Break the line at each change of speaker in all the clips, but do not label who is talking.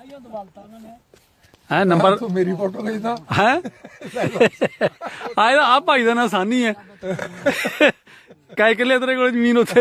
है नंबर
तू मेरी फोटो खींचना
है आ भाई का ना सानी है कै किले तेरे को जमीन उत्थे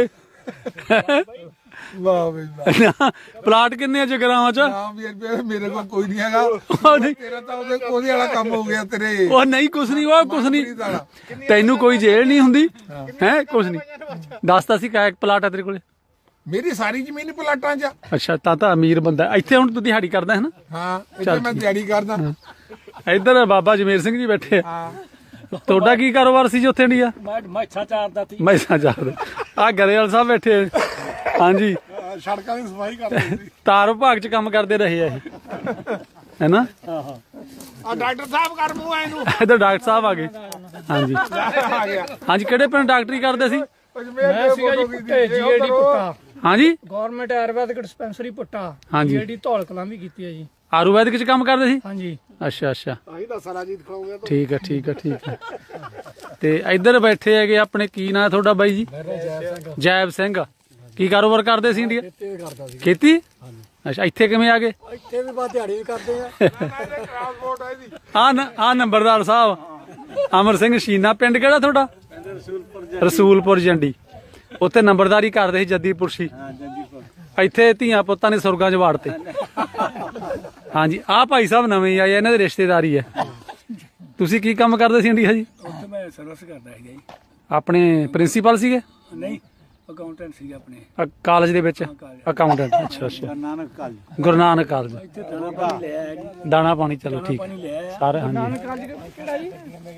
वाह बई वाह
प्लाट किन्ने जगरावां च
नाम भी मेरे को कोई नहीं हैगा तेरा तो ਉਹਦੇ ਵਾਲਾ ਕੰਮ ਹੋ ਗਿਆ ਤੇਰੇ
ਉਹ ਨਹੀਂ ਕੁਛ ਨਹੀਂ ਉਹ ਕੁਛ ਨਹੀਂ ਤੈਨੂੰ ਕੋਈ ਜੇਲ੍ਹ ਨਹੀਂ ਹੁੰਦੀ ਹੈ ਕੁਛ ਨਹੀਂ ਦੱਸਦਾ ਸੀ ਕਾ ਪਲਾਟ ਆ ਤੇਰੇ ਕੋਲੇ
ਮੇਰੀ ਸਾਰੀ ਜ਼ਮੀਨ ਪਲਾਟਾਂ 'ਚ
ਅੱਛਾ ਤਾਂ ਅਮੀਰ ਬੰਦਾ ਇੱਥੇ ਹੁਣ ਤੂੰ ਦਿਹਾੜੀ ਕਰਦਾ ਹੈ ਨਾ
ਹਾਂ ਇੱਥੇ ਮੈਂ ਦਿਹਾੜੀ ਕਰਦਾ
ਇੱਧਰ ਬਾਬਾ ਜਮੇਰ ਸਿੰਘ ਜੀ ਬੈਠੇ ਆ ਤੁਹਾਡਾ ਕੀ ਕਾਰੋਬਾਰ ਸੀ ਜੀ ਉੱਥੇ ਇੰਡੀਆ
ਮੈਸਾਂ ਚਾਰਦਾ ਸੀ
ਮੈਸਾਂ ਚਾਰਦਾ ਆ ਗਰੇਵਾਲ ਸਾਹਿਬ ਬੈਠੇ ਆ ਹਾਂਜੀ
ਸੜਕਾਂ ਦੀ ਸਫਾਈ ਕਰਦੇ ਸੀ
ਤਾਰ ਵਿਭਾਗ ਚ ਕੰਮ ਕਰਦੇ ਰਹੇ ਆ ਇਹ ਹੈ ਨਾ
ਆ ਡਾਕਟਰ ਸਾਹਿਬ ਕਰ ਮੂੰਹ ਇਹਨੂੰ
ਇੱਧਰ ਡਾਕਟਰ ਸਾਹਿਬ ਆ ਗਏ ਹਾਂਜੀ
ਆ ਗਿਆ
ਹਾਂਜੀ ਕਿਹੜੇ ਪਿੰਡ ਡਾਕਟਰੀ ਕਰਦੇ ਸੀ
ਮੈਂ ਸੀਗਾ ਜੀ
ਜੀਏਡੀ ਪੁੱਟਾ
ਹਾਂਜੀ
ਗਵਰਨਮੈਂਟ ਆਯੁਰਵੈਦਿਕ ਡਿਸਪੈਂਸਰੀ ਪੁੱਟਾ
ਹਾਂਜੀ
ਜੀਏਡੀ ਧੌਲ ਕਲਾਂ ਵੀ ਕੀਤੀ ਹੈ ਜੀ
ਆਯੁਰਵੈਦਿਕ ਚ ਕੰਮ ਕਰਦੇ ਸੀ
ਹਾਂਜੀ
ਅੱਛਾ ਅੱਛਾ
ਆਹੀ ਤਾਂ ਸਾਰਾ ਜੀ ਦਿਖਾਉਂਗਾ
ਠੀਕ ਹੈ ਠੀਕ ਹੈ ਠੀਕ ਹੈ ਤੇ ਇੱਧਰ ਬੈਠੇ ਹੈਗੇ ਆਪਣੇ ਕੀ ਨਾਂ ਤੁਹਾਡਾ ਬਾਈ ਜੀ ਜੈਬ ਸਿੰਘ ਕੀ ਕਾਰੋਬਾਰ ਕਰਦੇ ਸੀ ਇੰਡੀਆ
ਕਰਦਾ ਸੀ
ਖੇਤੀ ਅੱਛਾ ਇੱਥੇ ਕਿਵੇਂ ਆ ਗਏ
ਇੱਥੇ ਵੀ ਬਾ ਦਿਹਾੜੀ ਵੀ ਕਰਦੇ ਆ
ਟ੍ਰਾਂਸਪੋਰਟ ਹੈ ਜੀ
ਆ ਨੰਬਰਦਾਰ ਸਾਹਿਬ ਅਮਰ ਸਿੰਘ ਸ਼ੀਨਾ ਪਿੰਡ ਕਿਹੜਾ ਤੁਹਾਡਾ ਰਸੂਲਪੁਰ ਜੰਡੀ ਉੱਥੇ ਨੰਬਰਦਾਰੀ ਕਰਦੇ ਸੀ ਜੱਦੀਪੁਰ ਸੀ ਇੱਥੇ ਧੀਆਂ ਪੁੱਤਾਂ ਨੇ ਸੁਰਗਾਂ 'ਚ ਵਾੜਤੇ ਹਾਂਜੀ ਆਹ ਭਾਈ ਸਾਹਿਬ ਨਵੇਂ ਆਏ ਇਹਨਾਂ ਦੇ ਰਿਸ਼ਤੇਦਾਰੀ ਹੈ ਤੁਸੀਂ ਕੀ ਕੰਮ ਕਰਦੇ ਸੀ ਇੰਡੀਆ ਜੀ
ਉੱਥੇ ਮੈਂ ਸਰਵਿਸ ਕਰਦਾ ਸੀਗਾ ਜੀ
ਆਪਣੇ ਪ੍ਰਿੰਸੀਪਲ ਸੀਗੇ
ਨਹੀਂ ਅਕਾਊਂਟੈਂਟ ਸੀਗਾ ਆਪਣੇ
ਕਾਲਜ ਦੇ ਵਿੱਚ ਅਕਾਊਂਟੈਂਟ ਅੱਛਾ ਅੱਛਾ ਗੁਰੂ ਨਾਨਕ ਕਾਲਜ
ਇੱਥੇ ਦਾਣਾ ਪਾਣੀ ਲੈ ਆਇਆ ਜੀ
ਦਾਣਾ ਪਾਣੀ ਚਲੋ ਠੀਕ
ਲੈ ਆਇਆ
ਸਾਰੇ ਹਾਂਜੀ
ਕਿਹੜਾ ਜੀ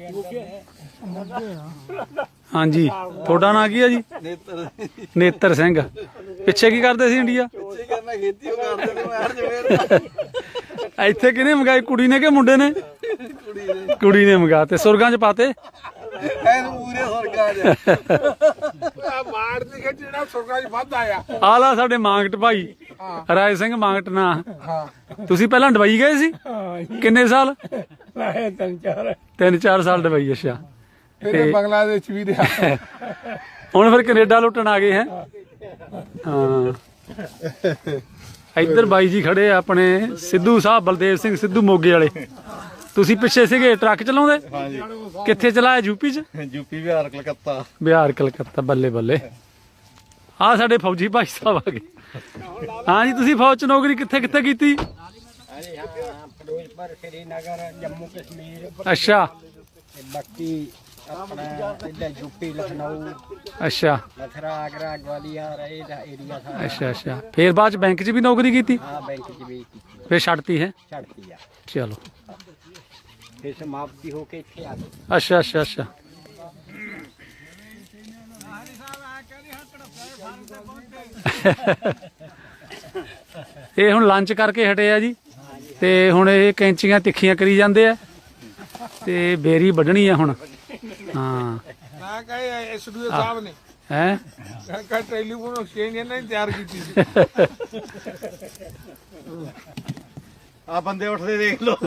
ਹਾਂਜੀ ਤੁਹਾਡਾ ਨਾਂ ਕੀ ਹੈ ਜੀ ਨੇਤਰ ਸਿੰਘ ਪਿੱਛੇ ਕੀ ਕਰਦੇ ਸੀ ਇੰਡੀਆ ਇੱਥੇ ਕਿਹਨੇ ਮੰਗਾਈ ਕੁੜੀ ਨੇ ਕਿ ਮੁੰਡੇ ਨੇ ਕੁੜੀ ਨੇ ਮੰਗਾ ਤੇ ਸੁਰਗਾਂ 'ਚ ਪਾਤੇ
ਮਾਰ ਦੀ ਜਿਹੜਾ ਸੁਰਗਾਂ 'ਚ ਵੱਧ ਆਇਆ
ਆਲਾ ਸਾਡੇ ਮਾਂਗਟ ਭਾਈ ਰਾਏ ਸਿੰਘ ਮਾਂਗਟ ਨਾ
ਹਾਂ
ਤੁਸੀਂ ਪਹਿਲਾਂ ਡਬਈ ਗਏ ਸੀ ਕਿੰਨੇ ਸਾਲ
ਮੈਂ
ਤਿੰਨ ਚਾਰ ਸਾਲ ਡਬਈ ਅੱਛਾ
ਫਿਰ ਬੰਗਲਾਦੇਸ਼ ਵੀ ਰਿਹਾ
ਹੁਣ ਫਿਰ ਕੈਨੇਡਾ ਲੁੱਟਣ ਆ ਗਏ ਹੈ ਹਾਂ ਇੱਧਰ ਬਾਈ ਜੀ ਖੜੇ ਆ ਆਪਣੇ ਸਿੱਧੂ ਸਾਹਿਬ ਬਲਦੇਵ ਸਿੰਘ ਸਿੱਧੂ ਮੋਗੇ ਵਾਲੇ ਤੁਸੀਂ ਪਿੱਛੇ ਸੀਗੇ ਟਰੱਕ ਚਲਾਉਂਦੇ
ਹਾਂਜੀ
ਕਿੱਥੇ ਚਲਾਇਆ ਯੂਪੀ ਚ
ਯੂਪੀ ਬਿਹਾਰ ਕਲਕੱਤਾ
ਬਿਹਾਰ ਕਲਕੱਤਾ ਬੱਲੇ ਬੱਲੇ ਆ ਸਾਡੇ ਫੌਜੀ ਭਾਈ ਸਾਹਿਬ ਆ ਗਏ ਹਾਂਜੀ ਤੁਸੀਂ ਫੌਜ ਚ ਨੌਕਰੀ ਕਿੱਥੇ ਕਿੱਥੇ ਕੀਤੀ
ਫਿਰੋਜ਼ਪੁਰ ਸ਼੍ਰੀਨਗਰ ਜੰਮੂ ਕਸ਼ਮੀਰ
ਅੱਛਾ
ਬਾਕੀ ਆਪਣਾ ਇੱਧਰ ਯੂਪੀ ਲਖਨਊ
ਅੱਛਾ
ਮਥੁਰਾ ਆਗਰਾ ਗਵਾਲੀਅਰ ਇਹਦਾ ਏਰੀਆ ਸਾਰਾ
ਅੱਛਾ ਅੱਛਾ ਫੇਰ ਬਾਅਦ ਚ ਬੈਂਕ ਚ ਵੀ ਨੌਕਰੀ ਕੀਤੀ
ਹਾਂ ਬੈਂਕ 'ਚ ਵੀ ਕੀਤੀ
ਫੇਰ ਛੱਡਤੀ ਹੈ
ਛੱਡਤੀ ਆ
ਚਲੋ
ਫਿਰ ਸਮਾਪਤੀ ਹੋ ਕੇ ਇੱਥੇ ਆ ਗਏ
ਅੱਛਾ ਅੱਛਾ ਅੱਛਾ ਇਹ ਹੁਣ ਲੰਚ ਕਰਕੇ ਹਟੇ ਆ ਜੀ ਤੇ ਹੁਣ ਇਹ ਕੈਂਚੀਆਂ ਤਿੱਖੀਆਂ ਕਰੀ ਜਾਂਦੇ ਆ ਤੇ ਬੇਰੀ ਵੱਢਣੀ ਆ ਹੁਣ ਹਾਂ
ਮੈਂ ਕਹੇ ਐਸਡੀਓ ਸਾਹਿਬ ਨੇ
ਹੈ
ਕਹ ਟੈਲੀਫੋਨ ਐਕਸਚੇਂਜ ਇਹਨਾਂ ਨੇ ਤਿਆਰ ਕੀਤੀ ਸੀ
ਆ ਬੰਦੇ ਉੱਠਦੇ ਦੇਖ ਲਓ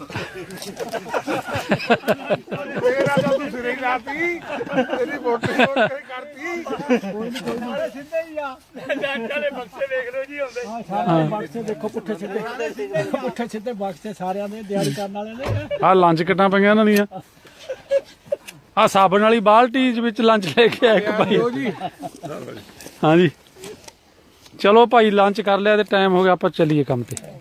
ਮੇਰਾ ਤਾਂ ਤੂੰ ਸਿਰੇ ਹੀ ਲਾਤੀ ਤੇਰੀ ਵੋਟ ਕਰਤੀ ਸਾਰੇ ਸਿੱਧੇ ਹੀ ਆ
ਵਾਲੇ ਬਕਸੇ ਵੇਖ ਲਓ ਜੀ ਹੁੰਦੇ ਸਾਰੇ ਬਕਸੇ ਦੇਖੋ ਪੁੱਠੇ ਸਿੱਧੇ ਬਕਸੇ ਸਾਰਿਆਂ ਦੇ ਦਿਹਾੜੀ ਕਰਨ ਵਾਲੇ ਨੇ
ਆ ਲੰਚ ਕਿੱਟਾਂ ਪਈਆਂ ਇਹਨਾਂ ਦੀਆਂ ਆ ਸਾਬਣ ਵਾਲੀ ਬਾਲਟੀ ਵਿੱਚ ਲੰਚ ਲੈ ਕੇ ਆਇਆ ਇੱਕ ਭਾਈ ਹਾਂਜੀ ਚਲੋ ਭਾਈ ਲੰਚ ਕਰ ਲਿਆ ਤੇ ਟਾਈਮ ਹੋ ਗਿਆ ਆਪਾਂ ਚੱਲੀਏ ਕੰਮ ਤੇ